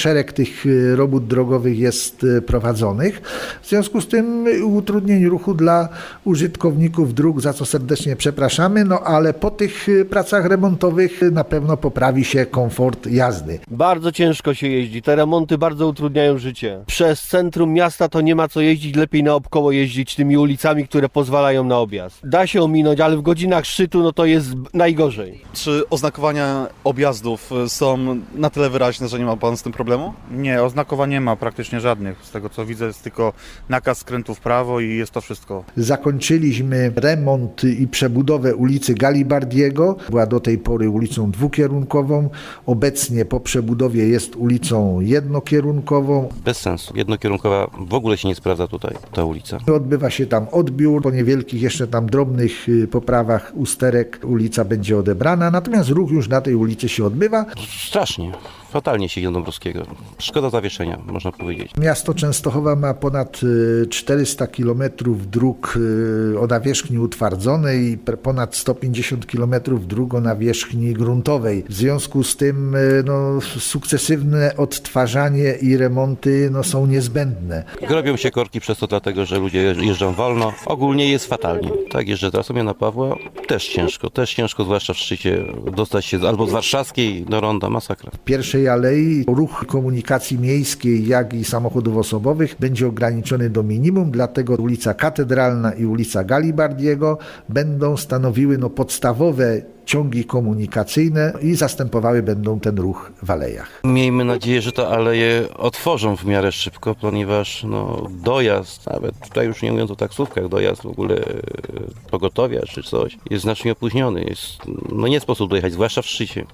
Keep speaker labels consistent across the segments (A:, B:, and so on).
A: szereg tych robót drogowych jest prowadzonych. W związku z tym utrudnień ruchu dla użytkowników dróg, za co serdecznie przepraszamy, no ale po tych pracach remontowych na pewno poprawi się komfort jazdy.
B: Bardzo ciężko się jeździ, te remonty bardzo utrudniają życie. Przez centrum miasta to nie ma co jeździć, lepiej naokoło jeździć tymi ulicami, które pozwalają na objazd. Da się ominąć, ale w godzinach szczytu no to jest najgorzej.
C: Czy oznakowania objazdów są na tyle wyraźne, że nie ma pan z tym problemu?
D: Nie, oznakowań nie ma praktycznie żadnych. Z tego co widzę jest tylko nakaz skrętu w prawo i jest to wszystko.
A: Zakończyliśmy remont i przebudowę ulicy Galibardiego. Była do tej pory ulicą dwukierunkową. Obecnie po przebudowie jest ulicą jednokierunkową.
E: Bez sensu. Jednokierunkowa w ogóle się nie sprawdza tutaj, ta ulica.
A: Odbywa się tam odbiór. Po niewielkich jeszcze tam drobnych poprawach usterek ulica będzie odebrana. Natomiast ruch już na tej ulicy się odbywa.
E: Strasznie. Fatalnie się jedzie do Dąbrowskiego. Szkoda zawieszenia, można powiedzieć.
A: Miasto Częstochowa ma ponad 400 km dróg o nawierzchni utwardzonej i ponad 150 km dróg o nawierzchni gruntowej. W związku z tym sukcesywne odtwarzanie i remonty są niezbędne.
E: Grobią się korki przez to dlatego, że ludzie jeżdżą wolno. Ogólnie jest fatalnie. Tak, jeżdżę teraz Jana Pawła. Też ciężko, zwłaszcza w szczycie, dostać się albo z Warszawskiej do Ronda, masakra.
A: W pierwszej alei ruch komunikacji miejskiej, jak i samochodów osobowych będzie ograniczony do minimum, dlatego ulica Katedralna i ulica Galibardiego będą stanowiły podstawowe ciągi komunikacyjne i zastępowały będą ten ruch w alejach.
E: Miejmy nadzieję, że te aleje otworzą w miarę szybko, ponieważ dojazd, nawet tutaj już nie mówiąc o taksówkach, dojazd w ogóle pogotowia czy coś, jest znacznie opóźniony. Nie sposób dojechać, zwłaszcza w szczycie.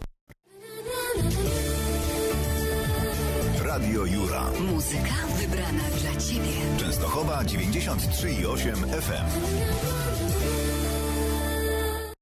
F: Radio Jura.
G: Muzyka wybrana dla Ciebie.
F: Częstochowa 93,8 FM.